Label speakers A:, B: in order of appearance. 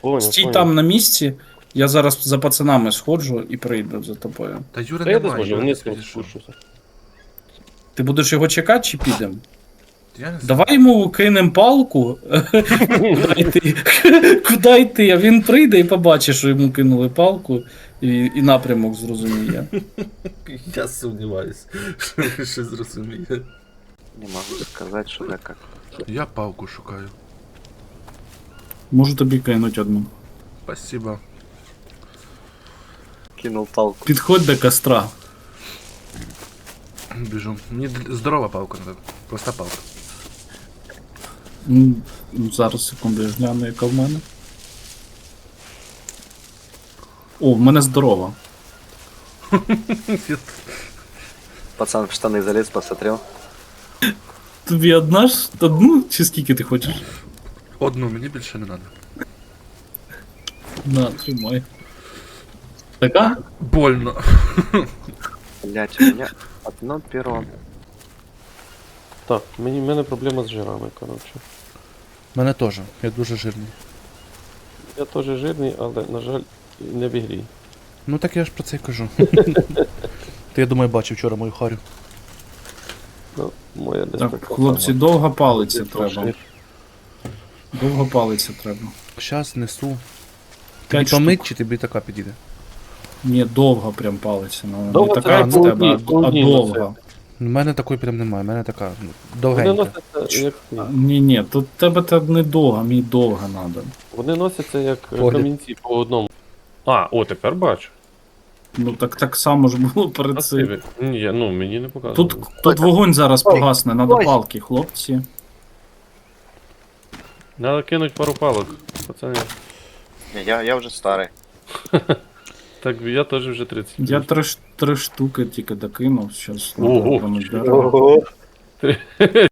A: Понял,
B: Стій
A: понял.
B: там на місці, я зараз за пацанами сходжу і прийду за тобою.
C: Та Юра
A: Та я не
C: немає,
A: зможу,
C: Юра
A: вниз
C: десь
A: там
C: відійшов.
A: спущуся.
B: Ти будеш його чекати чи підемо?
C: Я не знаю.
B: Давай йому кинем палку. Куди йти? Куди йти? А він прийде і побачить, що йому кинули палку, і напрямок зрозуміє.
C: Я сумніваюсь, що ви ще зрозумієте.
D: Не могу сказать, что да как.
C: Я палку шукаю.
B: Можу тобі кинуть одну.
C: Спасибо.
D: Кинул палку.
B: Підходь до костра.
C: Біжу. Мені здорова палка надо. Проста палка.
B: Ну, зараз, секунду, я гляну, яка в мене. О, в мене здорова.
D: Пацан в штаны залез, посмотрел.
B: Тобі одна ж? Одну? Чи скільки ти хочеш?
C: Одну, мені більше не треба.
B: На, тримай. Така?
C: Больно.
D: Блять, у меня одно перо.
A: Так, в мене проблема з жирами, коротше.
C: Мене теж. Я дуже жирний.
A: Я теж жирний, але, на жаль, не в ігрі.
C: Ну так я ж про це й кажу. Ти, я думаю, бачив вчора мою харю.
A: Ну, моя десь
B: Так,
A: така
B: хлопці,
A: сама.
B: довго палиця
A: Десь
B: треба.
A: трошки.
B: Довго палиця треба.
C: Щас несу. Тобі
B: 5
C: помить
B: штук.
C: чи тобі така підійде?
B: Ні, довго прям палиця. Ну,
A: Довго
B: не
A: це
B: така, як в
A: по
B: тебе,
A: одній- по
B: а
A: одній
B: довга.
C: У мене такої прям немає, у мене така
A: Вони
C: довгенька.
A: носяться як ні.
B: Ні, тут в тебе та не довга, мені довга треба.
A: Вони носяться як
C: Погляд.
A: камінці по одному. А, о, тепер бачу.
B: Ну так само ж було перед цим.
A: Ні, ну мені не показує.
B: Тут вогонь зараз
D: Ой,
B: погасне, надо
D: ой.
B: палки, хлопці.
A: Надо кинуть пару палок, пацани.
D: Не, я уже старый.
A: Так, я теж вже 30.
B: Я три штуки тільки докинув, зараз
A: Ого.
B: надо дерево.